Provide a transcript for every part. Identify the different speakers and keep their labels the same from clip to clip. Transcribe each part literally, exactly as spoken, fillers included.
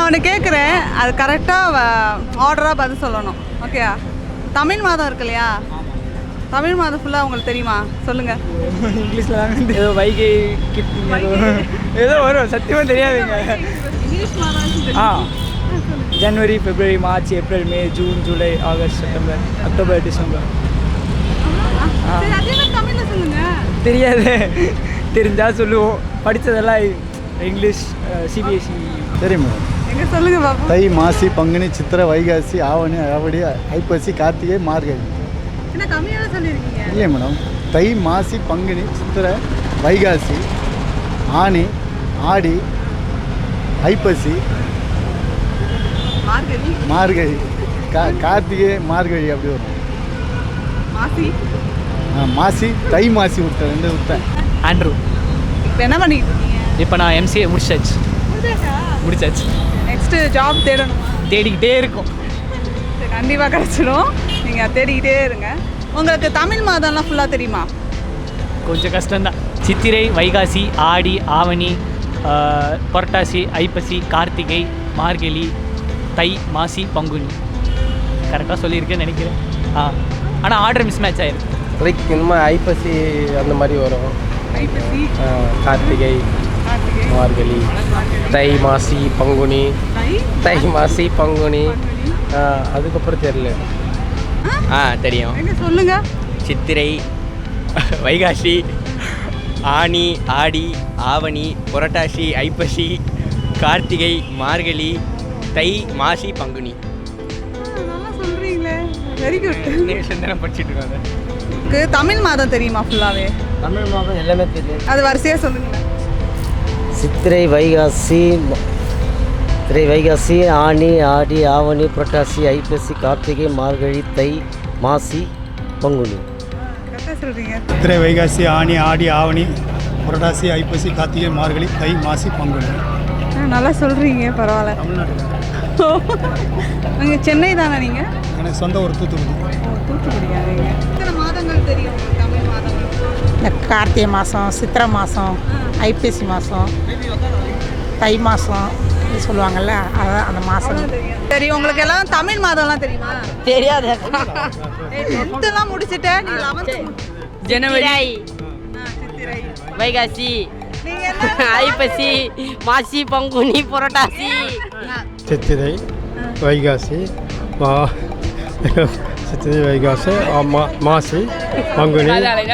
Speaker 1: நான் ஒன்று கேட்குறேன், அது கரெக்டாக ஆர்டராக பதில் சொல்லணும். ஓகேயா? தமிழ் மாதம் இருக்கு இல்லையா? தமிழ் மாதம் ஃபுல்லாக உங்களுக்கு தெரியுமா? சொல்லுங்கள்.
Speaker 2: இங்கிலீஷில் ஏதோ வைகை ஏதோ வரும், சத்தியமாக தெரியாதுங்க.
Speaker 1: இங்கிலீஷ் மாதம்
Speaker 2: ஆ January, February, March, April, May, June, July, August, September, October, December.
Speaker 1: தமிழில் சொல்லுங்கள்.
Speaker 2: தெரியாது, தெரிஞ்சால் சொல்லுவோம். படித்ததெல்லாம் இங்கிலீஷ், சிபிஎஸ்சி
Speaker 3: தெரியுமா?
Speaker 1: எங்கே சொல்லுங்கள் பாப்பா.
Speaker 3: தை, மாசி, பங்குனி, சித்திரை, வைகாசி, ஆவணி, ஆவடி, ஐப்பசி, கார்த்திகை, மார்கழி.
Speaker 1: என்ன கம்மியாக சொல்லியிருக்கீங்க?
Speaker 3: இல்லை மேடம், தை, மாசி, பங்குனி, சித்திரை, வைகாசி, ஆனி, ஆடி, ஐப்பசி,
Speaker 1: மார்கழி,
Speaker 3: மார்கழி, கா கார்த்திகை, மார்கழி அப்படி வரும்.
Speaker 1: மாசி,
Speaker 3: ஆ மாசி, தை மாசி விட்டேன், ரெண்டு விட்டேன்.
Speaker 2: ஆண்ட்ரூ.
Speaker 1: இப்போ என்ன பண்ணிட்டு இருக்கீங்க?
Speaker 2: இப்போ நான் எம்சிஏ முடிச்சாச்சு. முடிச்சாச்சு.
Speaker 1: நெக்ஸ்ட்டு ஜாப் தேடணுமா?
Speaker 2: தேடிக்கிட்டே இருக்கும்.
Speaker 1: சரி, கண்டிப்பாக கிடச்சிடும். நீங்கள் தேடிக்கிட்டே இருங்க. உங்களுக்கு தமிழ் மாதம்லாம் ஃபுல்லாக தெரியுமா?
Speaker 2: கொஞ்சம் கஷ்டம்தான். சித்திரை, வைகாசி, ஆடி, ஆவணி, புரட்டாசி, ஐப்பசி, கார்த்திகை, மார்கழி, தை, மாசி, பங்குனி. கரெக்டாக சொல்லியிருக்கேன்னு நினைக்கிறேன். ஆ ஆனால் ஆர்டர் மிஸ் மேட்ச் ஆயிருக்கு.
Speaker 4: லைக் இந்த மாதிரி ஐப்பசி அந்த மாதிரி வரும்.
Speaker 1: ஐப்பசி,
Speaker 4: கார்த்திகை,
Speaker 1: கார்த்திகை,
Speaker 4: மார்கழி, தை, மாசி, பங்குனி,
Speaker 1: தை,
Speaker 4: தை, மாசி, பங்குனி. அதுக்கப்புறம் தெரியல. ஆ தெரியும்.
Speaker 1: எங்கே சொல்லுங்கள்.
Speaker 5: சித்திரை, வைகாசி, ஆனி, ஆடி, ஆவணி, புரட்டாசி, ஐப்பசி, கார்த்திகை, மார்கழி, தை, மாசி, பங்குனி.
Speaker 1: நல்லா சொல்கிறீங்களே, வெரி குட்.
Speaker 5: நான் படிச்சுட்டு இருக்காங்க.
Speaker 1: உங்களுக்கு தமிழ் மாதம் தெரியுமா ஃபுல்லாகவே?
Speaker 4: தமிழ் மாதம் எல்லாமே தெரியும்.
Speaker 1: அது வரிசையாக சொல்லுங்களேன்.
Speaker 6: சித்திரை, வைகாசி, சித்திரை, வைகாசி, ஆனி, ஆடி, ஆவணி, புரட்டாசி, ஐப்பசி, கார்த்திகை, மார்கழி, தை, மாசி, பங்குனி.
Speaker 1: கரெக்டாக சொல்கிறீங்க.
Speaker 3: சித்திரை, வைகாசி, ஆனி, ஆடி, ஆவணி, புரட்டாசி, ஐப்பசி, கார்த்திகை, மார்கழி, தை, மாசி, பங்குனி.
Speaker 1: நல்லா சொல்கிறீங்க, பரவாயில்ல.
Speaker 3: தமிழ்நாட்டில்
Speaker 1: நீங்கள் சென்னை தானே நீங்கள்?
Speaker 3: எனக்கு சொந்த ஒரு தூத்துக்குடி.
Speaker 1: தூத்துக்குடியா நீங்கள்? எத்தனை மாதங்கள் தெரியும் உங்களுக்கு தமிழ் மாதங்கள்?
Speaker 7: இந்த கார்த்திகை மாதம், சித்திரை மாதம், ஐப்பசி மாதம், தை மாதம் இது சொல்லுவாங்கள்ல, அதான் அந்த மாதம்
Speaker 1: தெரியும். உங்களுக்கு எல்லாம் தமிழ் மாதம்லாம் தெரியுமா?
Speaker 7: தெரியாது.
Speaker 1: டென்த்தெல்லாம் முடிச்சுட்டேன். நீ லெவன்த்து
Speaker 8: ஜனவரி,
Speaker 1: சித்திரை,
Speaker 8: வைகாசி,
Speaker 1: நீங்கள் என்ன?
Speaker 8: ஐப்பசி, மாசி, பங்குனி, புரட்டாசி.
Speaker 4: சித்திரை, வைகாசி, மா சித்திரை, வைகாசி, மா மாசி, பங்குனி,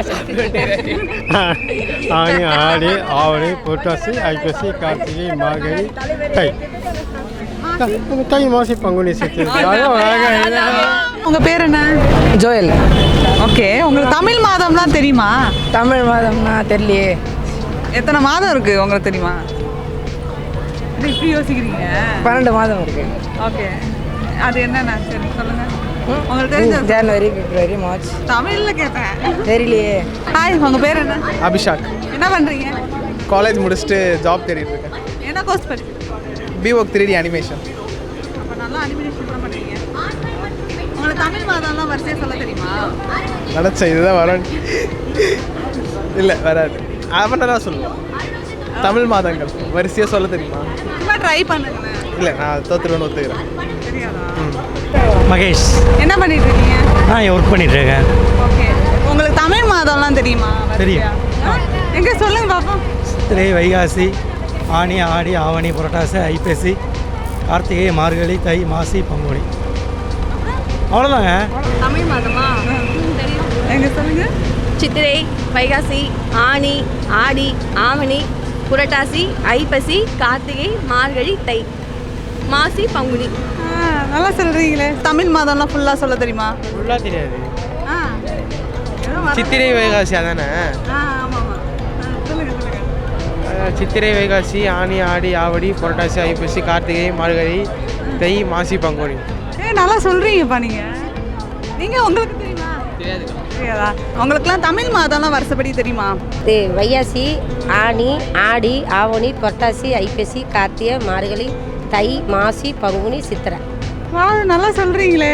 Speaker 4: ஆனி, ஆடி, ஆவணி, புரட்டாசி, ஐப்பசி, கார்த்திகை, மார்கழி, தை. தை, மாசி, பங்குனி, சித்திரை.
Speaker 1: உங்கள் பேர் என்ன?
Speaker 7: ஜோயல்.
Speaker 1: ஓகே, உங்களுக்கு தமிழ் மாதம்லாம் தெரியுமா?
Speaker 7: தமிழ் மாதம்னா தெரியலையே.
Speaker 1: எத்தனை மாதம் இருக்குது உங்களுக்கு தெரியுமா? இது இப்படி யோசிக்கிறீங்க?
Speaker 7: பன்னெண்டு மாதம் இருக்கு.
Speaker 1: ஓகே, அது என்னென்ன சரி சொல்லுங்கள். உங்களுக்கு தெரிஞ்ச
Speaker 7: ஜனவரி, பிப்ரவரி, மார்ச்.
Speaker 1: தமிழில் கேட்டேன்.
Speaker 7: தெரியலையே.
Speaker 1: ஹாய், உங்கள் பேர் என்ன?
Speaker 4: அபிஷாக்.
Speaker 1: என்ன பண்ணுறீங்க?
Speaker 4: காலேஜ் முடிச்சுட்டு ஜாப் தேடிட்டு இருக்கேன்.
Speaker 1: என்ன கோர்ஸ் படிச்சு?
Speaker 4: பிஓக் த்ரீ டி அனிமேஷன்.
Speaker 1: அப்போ நல்லா அனிமேஷன் தான் பண்ணுறீங்க. உங்களுக்கு தமிழ் மாதம்லாம் வரிசையாக சொல்ல தெரியுமா?
Speaker 4: நினச்சேன் இதுதான் வரும். இல்லை வராது. அவன் தான் சொல்லுவோம். தமிழ் மாதங்கள் வரிசையாக சொல்ல தெரியுமா?
Speaker 1: சும்மா ட்ரை பண்ணுங்களேன்.
Speaker 4: இல்லை நான் தோத்துருவேன்னு ஒத்துக்கிறேன்.
Speaker 1: தெரியாதா?
Speaker 2: மகேஷ்.
Speaker 1: என்ன பண்ணிட்டு இருக்கீங்க?
Speaker 2: நான் ஒர்க் பண்ணிட்டு இருக்கேன்.
Speaker 1: ஓகே, உங்களுக்கு தமிழ் மாதம்லாம் தெரியுமா?
Speaker 2: தெரியும்.
Speaker 1: எங்கே சொல்லுங்க பாப்போம்.
Speaker 2: சித்திரை, வைகாசி, ஆனி, ஆடி, ஆவணி, புரட்டாசி, ஐப்பசி, கார்த்திகை, மார்கழி, தை, மாசி, பங்குனி. அவ்வளோதாங்க.
Speaker 1: தமிழ் மாதமா? தெரியும். எங்கே சொல்லுங்க.
Speaker 8: சித்திரை, வைகாசி, ஆனி, ஆடி, ஆவணி, புரட்டாசி, ஐப்பசி, கார்த்திகை, மார்கழி, தை, மாசி, பங்குனி.
Speaker 1: நல்லா சொல்கிறீங்களே. தமிழ் மாதம்லாம் ஃபுல்லாக சொல்ல தெரியுமா?
Speaker 4: ஃபுல்லாக தெரியாது.
Speaker 1: ஆ,
Speaker 4: சித்திரை, வைகாசி அதானே?
Speaker 1: ஆ ஆமாம் ஆமாம். சொல்லுங்கள் சொல்லுங்கள்.
Speaker 4: சித்திரை, வைகாசி, ஆனி, ஆடி, ஆவடி, புரட்டாசி, ஐப்பசி, கார்த்திகை, மார்கழி, தை, மாசி, பங்குனி.
Speaker 1: ஏ நல்லா சொல்கிறீங்கப்பா நீங்கள். நீங்கள் உங்களுக்கு தெரியுமா? தெரியாதா? உங்களுக்குலாம் தமிழ் மாதம்லாம் வருஷப்படி தெரியுமா?
Speaker 9: வைகாசி, ஆனி, ஆடி, ஆவணி, புரட்டாசி, ஐப்பசி, கார்த்திகை, மார்கழி, தை, மாசி, பங்குனி, சித்திரை.
Speaker 1: வா நல்லா சொல்கிறீங்களே.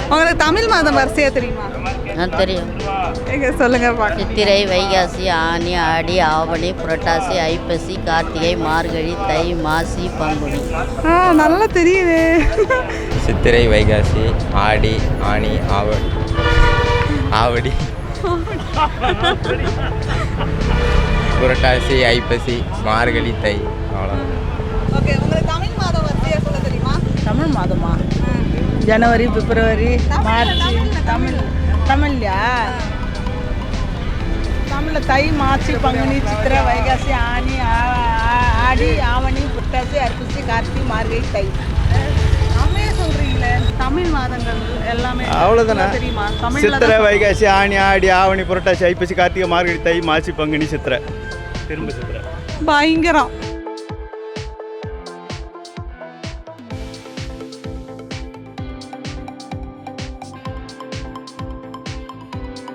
Speaker 1: உங்களுக்கு தமிழ் மாதம் வரிசையாக தெரியுமா?
Speaker 9: தெரியும்.
Speaker 1: எங்க சொல்லுங்க பார்க்க.
Speaker 9: சித்திரை, வைகாசி, ஆனி, ஆடி, ஆவணி, புரட்டாசி, ஐப்பசி, கார்த்திகை, மார்கழி, தை, மாசி, பங்குனி.
Speaker 1: ஆ நல்லா தெரியுது.
Speaker 5: சித்திரை வைகாசி ஆடி ஆனி ஆவணி ஆவடி புரட்டாசி ஐப்பசி மார்கழி தை. அவ்வளோதான்.
Speaker 1: ஓகே, உங்களுக்கு தமிழ் மாதம் வரிசையாக சொல்ல தெரியுமா?
Speaker 7: தமிழ் மாதமா? January, February, March. தமிழ் தமிழ்லையா? தமிழில் தை, மாசி, பங்குனி, சித்திரை, வைகாசி, ஆனி, ஆடி, ஆவணி, புரட்டாசி, ஐப்பசி, கார்த்திகை, மார்கழி, தை.
Speaker 1: தமிழே சொல்றீங்களே. தமிழ் மாதங்கள் எல்லாமே
Speaker 3: அவ்வளோதானே.
Speaker 1: தெரியுமா? தமிழ்ல
Speaker 3: சித்திரை
Speaker 1: தான்
Speaker 3: வைகாசி ஆணி ஆடி ஆவணி புரட்டாசி ஐப்பசி கார்த்திகை மார்கழி தை மாசி பங்குனி சித்திரை திரும்ப சித்திரை.
Speaker 1: பயங்கரம்.